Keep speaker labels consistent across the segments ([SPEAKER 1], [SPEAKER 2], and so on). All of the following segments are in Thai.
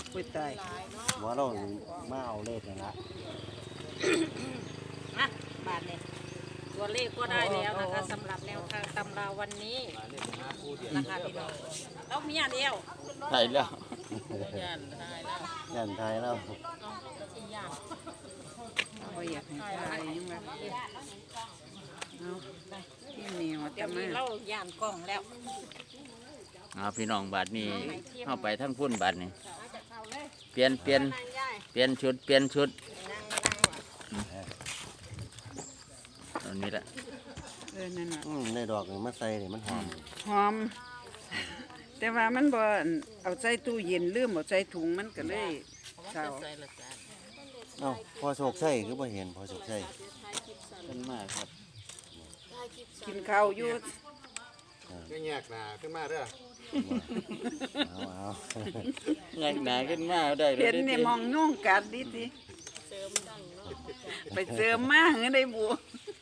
[SPEAKER 1] ปุ้ยตาย
[SPEAKER 2] ว่าเรามาเอาเลขนั่นละ
[SPEAKER 3] นะบาทเนี่ยตัวเลขก็ได้แล้วนะคะสำหรับแนวทางตำราวันนี้นะคะพี่น้องแล้วมีอย่างเดียว
[SPEAKER 4] ใช่แล้ว
[SPEAKER 3] ยันได้แล้ว
[SPEAKER 2] ยันไทยแล้ว
[SPEAKER 1] บ่อยากให้ตายยังว่าเอาที่เหนียว
[SPEAKER 3] เดี๋
[SPEAKER 1] จะ
[SPEAKER 3] ยว
[SPEAKER 1] มา
[SPEAKER 3] นี้เราย่านกล้องแล้ว
[SPEAKER 4] พี่น้องบัดนี้เข้าไปทั้งพุ่นบัดนี้เปลี่ยนชุดตอนนี้แหละ
[SPEAKER 1] นั่นน่ะ
[SPEAKER 2] ในดอกนี่มันใส่นี่มันหอม
[SPEAKER 1] หอม แต่ว่ามันบ่เอาใส่ตู้เย็นลืมเอาใส่ถุงมันก็เลยเศร้า
[SPEAKER 2] เอ้าพอโชคใช่คือบ่เห็นพอโชคใช่
[SPEAKER 4] เป็นมากครับ
[SPEAKER 1] กินข้าวอยู่
[SPEAKER 5] ไม่แยกหนาขึ้นมาเด้อ
[SPEAKER 2] เอา
[SPEAKER 4] งานหนาขึ้นมาได้เล
[SPEAKER 1] เห็
[SPEAKER 4] ย
[SPEAKER 1] นนี่มองยุ่งกัดดิสิไปเสริมมาเงินได้บัว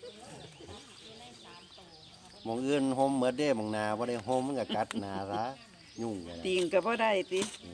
[SPEAKER 2] หมองอื่นโฮมเหมือนเด้หมองนาบ่ได้โฮมมันก็กัดหนาซะยุ่งกัน
[SPEAKER 1] ติงก็บ่ได้ติ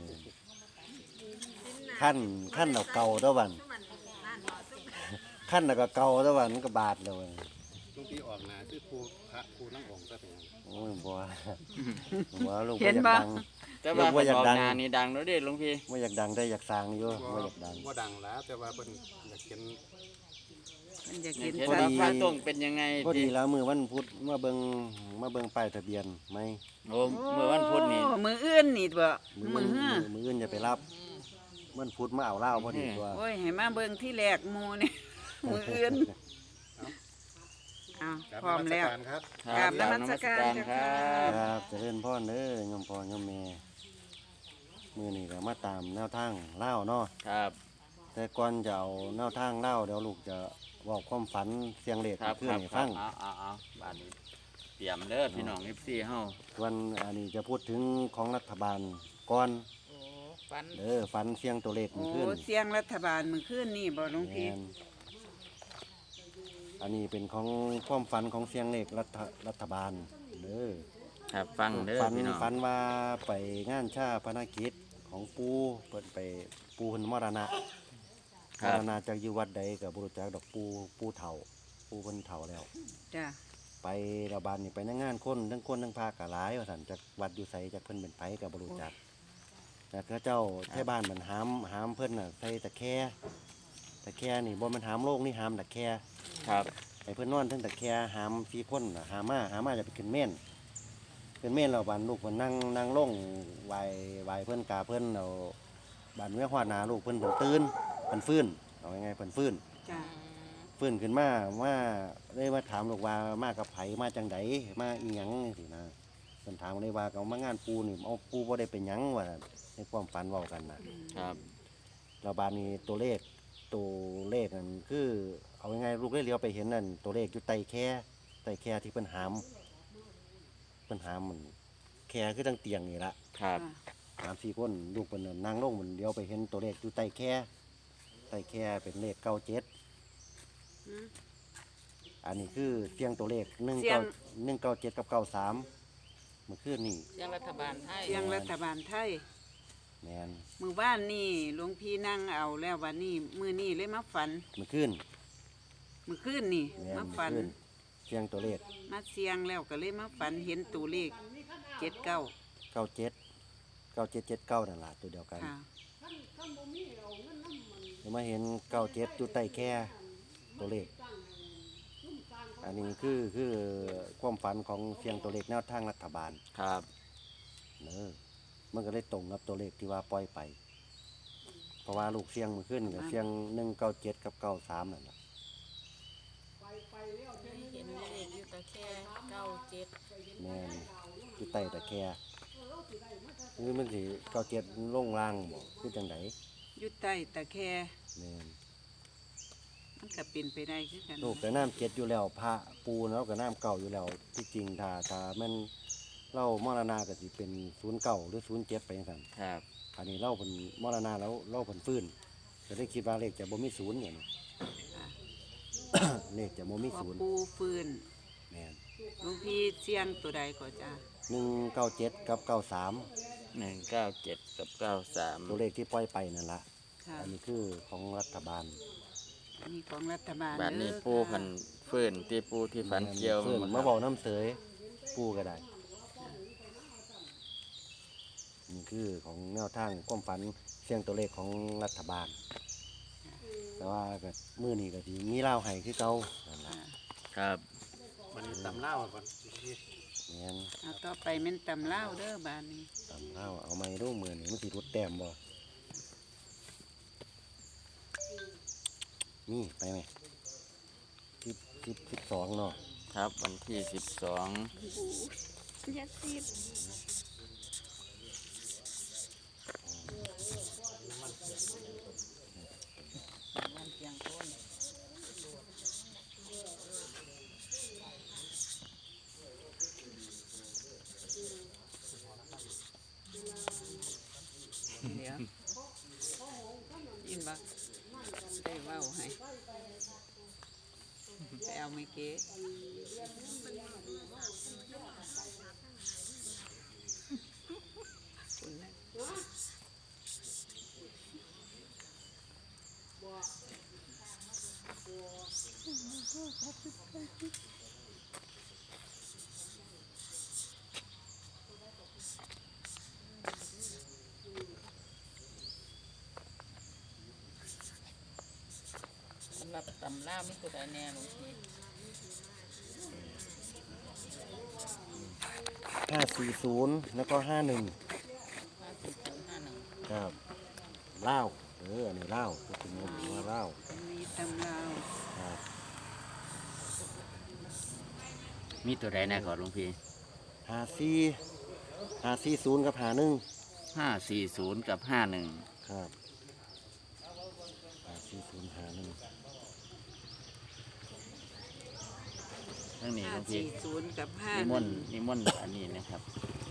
[SPEAKER 2] ขั้นเอาเก่าเด้อวันขั้นแล้วก็เก่าเด้อวันมันก็บาดแล้ววัน
[SPEAKER 5] ลุงพี่ออกหนาคือครูพระครูนั่งองค์ซะเป็น
[SPEAKER 2] โอ้ยบ่ว่าลูก
[SPEAKER 1] เห็น
[SPEAKER 2] บ่
[SPEAKER 1] บ่
[SPEAKER 2] อยากดัง
[SPEAKER 4] แต่ว่า
[SPEAKER 2] ว่าอยาก
[SPEAKER 4] ออก
[SPEAKER 2] ดัง
[SPEAKER 4] หนานี่ดังแล้วเด้หลวงพี่
[SPEAKER 2] บ่อยากดังได้อยากสร้างอยู่บ่อยากดัง
[SPEAKER 5] ว่าดังแล้วแต่ว่าเป็นอยากเขียน
[SPEAKER 1] มันอยาก
[SPEAKER 4] เห็
[SPEAKER 1] เห็
[SPEAKER 4] น
[SPEAKER 1] น
[SPEAKER 4] ว่า
[SPEAKER 1] สัตว์
[SPEAKER 4] พระต้องเป็นยังไง
[SPEAKER 2] พอดีแล้วมือวันพุธมาเบิ่งป้ายทะเบียนไหม
[SPEAKER 4] โอ้เมื่อวันพุธนี่
[SPEAKER 1] โอ้มืออื่นนี่บ่มือฮื้อ
[SPEAKER 2] มืออื่นจะไปรับมันพุธมาเอาเหล้าพอดีตัว
[SPEAKER 1] โอ้ยให้มาเบิ่งที่แรกหมู่นี่ มืออื่นอ้าว
[SPEAKER 5] กราบ
[SPEAKER 1] พร้อม
[SPEAKER 5] นมัส
[SPEAKER 1] แล้ว
[SPEAKER 5] การครับ
[SPEAKER 4] ครับ
[SPEAKER 1] กราบนมัสการ
[SPEAKER 4] ค
[SPEAKER 1] เจ้า
[SPEAKER 4] รั
[SPEAKER 1] ค่ะ
[SPEAKER 4] บ
[SPEAKER 2] ครับเจะเล่นพ่อเด้อยมพ่อยมแม่มือนี่ก็มาตามแนวทางเหล้าเนาะ
[SPEAKER 4] ครับ
[SPEAKER 2] แต่ก่อนจะเอาแนวทางเหล้าเดี๋ยวลูกจะบอกความฝันเสียงเลข
[SPEAKER 4] ครับ
[SPEAKER 2] เพื่
[SPEAKER 4] ค
[SPEAKER 2] อน
[SPEAKER 4] รับ
[SPEAKER 2] ให้
[SPEAKER 4] ครั
[SPEAKER 2] ฟั
[SPEAKER 4] บ
[SPEAKER 2] ง
[SPEAKER 4] เอาบาดนี้เตรียมเด้อพี่น้อง FC เฮา
[SPEAKER 2] วันอันนี้จะพูดถึงของรัฐบาลก่อน
[SPEAKER 3] โอ้ฟัน
[SPEAKER 2] ฝันเสียงตัวเลข
[SPEAKER 1] โอ้
[SPEAKER 2] เพื่อน
[SPEAKER 1] เสียงรัฐบาลมื้อคืนนี่บ่หลวงพี่
[SPEAKER 2] แม่นอันนี้เป็นของความฝันของเสียงเลขรัฐบาลเด้อ
[SPEAKER 4] ครับฟังเด้อ
[SPEAKER 2] ฝัน
[SPEAKER 4] พี่น้อง
[SPEAKER 2] ฝันว่าไปงานชาพนกิจของปูเปิดไปปูเพิ่นมรณะมรณะจากอยู่วัดใดกับบรุจักดอกปูเฒ่าปูเพิ่นเฒ่าแล้ว
[SPEAKER 1] จ้ะ
[SPEAKER 2] ไประบาดนี่ไปในงานคนทั้งพากะหลายว่าซั่นจากวัดอยู่ไสจากเพิ่นเป็นไผกับบรุจักแต่เขาเจ้าแท่บ้านมันหามเพิ่นน่ะใส่ตะแคนี่บ่แมันหามโลกนี่หามตะแค
[SPEAKER 4] ครับ
[SPEAKER 2] ไอ้เพิ่นนอนเทั้งตะแคหาม4คนน่ะหามาจะไปขึ้นเม่นแล้วบานลูกเพิ่นนั่งลงไหวเพิ่นกาเพิ่นเอาบานเมื่อฮอดหน้าลูกเพิ่นตื่นเพิ่นฟื้นเอาไงเพิ่นฟื้น
[SPEAKER 1] จ้ะ
[SPEAKER 2] ฟื้นขึ้นมาเลยมาถามลูกว่ามากับไผมาจังไดมาอีหยังจังซี่นะเพิ่นถามเลยว่าเอามางานปูนี่เอาปูบ่ได้เป็นหยังว่าในความฝันเว้ากันน่ะ
[SPEAKER 4] ครับ
[SPEAKER 2] แล้วบานนี้ตัวเลขนั่นคือเอาไงลูกเลยเลี้ยวไปเห็นนั่นตัวเลขอยู่ใต้แค่ที่เพิ่นหามมันแค่คือตั้งเตียงนี่ละ
[SPEAKER 4] ครับ
[SPEAKER 2] 3-4คนลูกเพิ่นน่ะนั่งลงมันเลี้ยวไปเห็นตัวเลขอยู่ใต้แค่เป็นเลข97
[SPEAKER 1] อืม
[SPEAKER 2] อันนี้คือเสียงตัวเลข
[SPEAKER 1] เสียง
[SPEAKER 2] 197กับ93เมื่อคืนนี่
[SPEAKER 3] เสียงรัฐบาลไทย
[SPEAKER 1] เสียงรัฐบาลไทย
[SPEAKER 2] แม่น
[SPEAKER 1] มื้อวานนี่หลวงพี่นั่งเอาแล้ววันนี้มื้อนี้เลยมาฝัน
[SPEAKER 2] เมื่อคืน
[SPEAKER 1] มื้อคืนนี่
[SPEAKER 2] แม่น
[SPEAKER 1] มาฝัน
[SPEAKER 2] เมื่อคืนเสียงตัวเลข
[SPEAKER 1] มาเสียงแล้วก็เลยมาฝันเห็นตัวเลข79
[SPEAKER 2] 97นั่นล่ะตัวเดียวกัน
[SPEAKER 1] ค่ะ
[SPEAKER 2] เดี๋ยวมาเห็น97อยู่ใต้แค่ตัวเลข อันนี้คือความฝันของเสียงตัวเลขแนวทางรัฐบาล
[SPEAKER 4] ครับ
[SPEAKER 2] มันก็เลยตรงกับตัวเลขที่ว่าปล่อยไป เพราะว่าลูกเสียงมันขึ้นกับเสียง197กับ93นั่นแหละ
[SPEAKER 3] เห็นเลขอยู่ตะแค่97
[SPEAKER 2] แม่นอยู่ใต้ตะแคร์คือมันสิ97ลงล่างบ่คือจังได
[SPEAKER 1] อยู่ใต้ตะแค
[SPEAKER 2] แม่น
[SPEAKER 1] มันก็เป็นไปได้คือกัน
[SPEAKER 2] ลูกก็น้ำ7อยู่แล้วพระปูแล้วก็น้ำเก่าอยู่แล้วที่จริงถ้าแม่นเล่ามรณะก็สิเป็น09หรือ07ไปจังซั่น
[SPEAKER 4] ครับ
[SPEAKER 2] อันนี้เล่าเพิ่นมรณะแล้วเล่าเพิ่นฟื้นก็ได้คิดว่าเลขจะบ่มีศูนย์เนี่ยนะ เลขจะบ่มี
[SPEAKER 1] ว่า
[SPEAKER 2] ศูนย์
[SPEAKER 1] ปูฟื้น
[SPEAKER 2] แม่น
[SPEAKER 1] หลวงพี่เสียงตัวใดก็จ้า
[SPEAKER 2] 197กับ93
[SPEAKER 4] 197 กับ 93
[SPEAKER 2] ตัวเลขที่ปล่อยไปนั่นละ
[SPEAKER 1] ค่ะ
[SPEAKER 2] อันนี้คือของรัฐบาล
[SPEAKER 1] อันนี้ของรัฐบาล
[SPEAKER 4] บาดนี้
[SPEAKER 1] เด้อ
[SPEAKER 4] ปู
[SPEAKER 1] ค่ะ
[SPEAKER 4] พันฟื้นที่ปูที่ฝันเกี่ยว
[SPEAKER 2] เพื่อน
[SPEAKER 4] บ่
[SPEAKER 2] มา
[SPEAKER 4] ครับ
[SPEAKER 2] บอกน้ำเสยปูก็ได้นี่คือของแนวทางความฝันเสียงตัวเลขของรัฐบาล แต่ว่าก็มือนี้ก็สิมีเล่าวให้คือเก่านั่นล่ะ
[SPEAKER 4] ครับ
[SPEAKER 5] มันตำเล่าก่อนพี่
[SPEAKER 2] แม่น
[SPEAKER 1] เอาต่อไปแม่นตำเล่าวเด้อบานนี้
[SPEAKER 2] ตำเล่าวเอาไม้ดูมือนี่มันสิรุดแต้มบ่นี่ไปไหม12เนาะ
[SPEAKER 4] ครับวันที่ 12
[SPEAKER 1] อย่าซีดวันเพียงต้นเดี๋ยวยินบ่ได้เว้าให้ไปเอาไม่เก๋คุณนะ
[SPEAKER 3] สำหรับตำล่าไม่ตัวใดแน่หลวงพี่
[SPEAKER 2] 540แล้วก็51
[SPEAKER 3] 5051
[SPEAKER 2] ครับเล่าวอันนี้เล่าวพูดถึงว่าเล่าว
[SPEAKER 1] มีตำลาว
[SPEAKER 2] ครับ
[SPEAKER 4] มีตัวใดแน่ก่อนหลวงพี่
[SPEAKER 2] 540กับ
[SPEAKER 4] 540 กับ 51
[SPEAKER 2] ครับ540 51
[SPEAKER 4] ทั้งนี้หลวงพี่
[SPEAKER 1] 540กับ
[SPEAKER 4] นิมนต์อันนี้นะครับ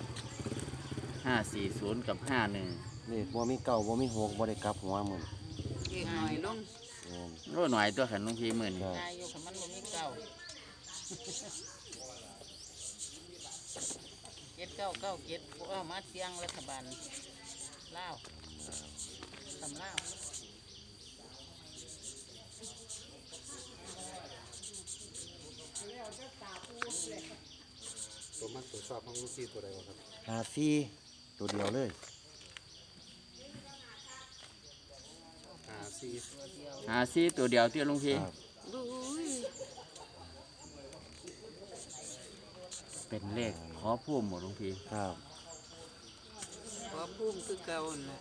[SPEAKER 4] 540 กับ 51
[SPEAKER 2] นี่บ่มีเก่าบ่มีหกบ่ได้กลับหัวมึง
[SPEAKER 1] เก่งหน่อยลง
[SPEAKER 4] โอ้หน่อยตัวขันหลวงพี่มื้อนี้
[SPEAKER 3] นายอยู่กับมันบ่มีเก่า7997พวกเอามาเสียงรัฐบาลลาวตำลาว
[SPEAKER 5] ตัวมักตัวชอบของลูกพี่ตัวใดวะครับ
[SPEAKER 2] 54ตัวเดียวเลย
[SPEAKER 4] 54ตัวเดียวที่หลวงพี่
[SPEAKER 2] ครับ
[SPEAKER 1] บุ้ย
[SPEAKER 4] เป็นเลขขอพุ่มหมดหลวงพี่
[SPEAKER 2] ครับ
[SPEAKER 1] ขอพุ่มคือเก่าน่ะ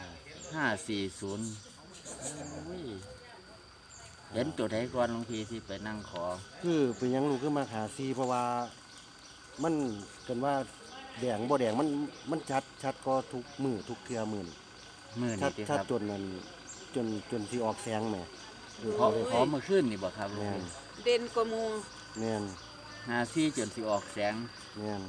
[SPEAKER 4] 540โอ้ยเห็นตัวใดก่อนหลวงพี่ที่ไปนั่งขอ
[SPEAKER 2] คือเป็นหยังลูกขึ้นมา54เพราะว่ามันกันว่าแดงบ่แดงมันชัดก็ทุกมือทุกเทื่อมือนี่
[SPEAKER 4] มื้อ
[SPEAKER 2] ชั
[SPEAKER 4] นี้
[SPEAKER 2] ด
[SPEAKER 4] ติค
[SPEAKER 2] ชัด
[SPEAKER 4] รับ
[SPEAKER 2] จนนั้นจนสิออกแสงแหม
[SPEAKER 4] ขอเมื่อคืนนี่บ่ครับหลวง
[SPEAKER 2] แม่น
[SPEAKER 4] พี่
[SPEAKER 1] เด่นกว่าหมู
[SPEAKER 2] แม่น
[SPEAKER 4] 54จนสิออกแสง
[SPEAKER 2] แม่น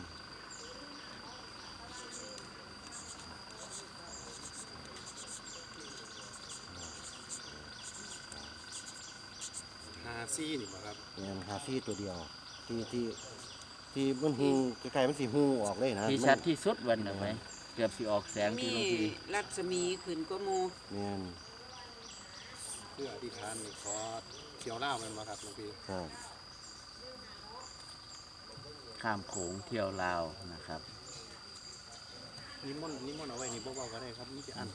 [SPEAKER 5] 54นี่บ่ครับ
[SPEAKER 2] แม่น54ตัวเดียวที่มันหูใกล้ๆมันสิหูออกเลยนะ
[SPEAKER 4] ที่ชัดที่สุดวันน่ะไหมเกือบสิออกแสงที่
[SPEAKER 1] มี
[SPEAKER 4] หลวงพี่
[SPEAKER 1] รัศมีขึ้นกว่าหมู
[SPEAKER 2] แม่น
[SPEAKER 5] เพื่ออธิษฐานนี่ขอเที่ยวเล่าแมันบ่ครับลูกพี่
[SPEAKER 2] ครับ
[SPEAKER 4] ข้ามโขงเที่ยวลาวนะครับ
[SPEAKER 5] นิมนต์เอาไว้นี่บ่เว้าก็ได้ครับมีแต่อัน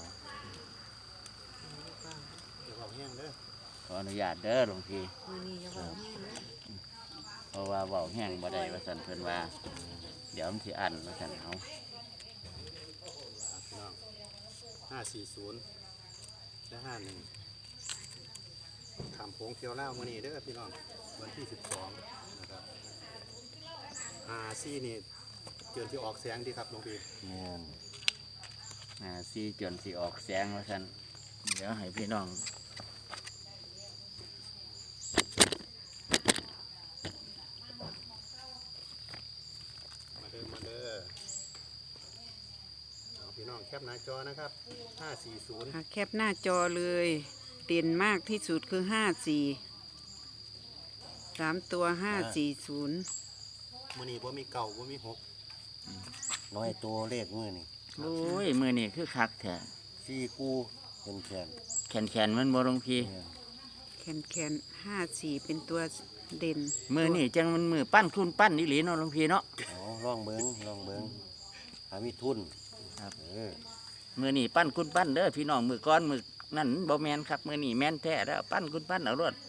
[SPEAKER 5] เดี๋ยวเว้าแห้งเด้อ
[SPEAKER 4] ขออนุญาตเด้อหลวงพี่เพราะว่าเว้าแห้งบ่ได้ว่าซั่นเพิ่นว่า เดี๋ยวมันสิอั้นว่าซั่นเอา
[SPEAKER 5] พี่น้อง540และ51ขามโค้งเที่ยวเล่ามื้อนี้เด้อพี่น้องวันที่12นะครับ54นี่เกินที่ออกแสงดีครับหลวงพี่
[SPEAKER 2] แม่น
[SPEAKER 4] ซีจนสิออกแสงว่าซั่นเดี๋ยวให้พี่น้อง
[SPEAKER 5] มาเด้อเอาพี่น้องแคปหน้าจอนะครับ540
[SPEAKER 1] แคปหน้าจอเลยเด่นมากที่สุดคือ3 ตัว 540
[SPEAKER 5] มื้อนี้บ่มีเก่าบ่มีหก
[SPEAKER 2] น้อยตัวเลขมือนี่
[SPEAKER 4] โอ้ยมือนี่คือคักแท้
[SPEAKER 2] 4คู่เป็นแขน
[SPEAKER 4] แขนมันบ่หลวงพี่
[SPEAKER 1] แคน54เป็นตัวเด่น
[SPEAKER 4] มือนี่จังมันมือปั้นคุณปั้นอีหลีเนาะหลวงพี่เนาะ
[SPEAKER 2] อ๋อลองเบิ่งหามีทุน
[SPEAKER 4] ครับ
[SPEAKER 2] เ
[SPEAKER 4] มือนี่ปั้นคุณปั้นเด้อพี่น้องมือก้อนมือนั่นบ่แมนครับมือนี่แมนแท้แล้วปั้นคุณปั้นเอารวด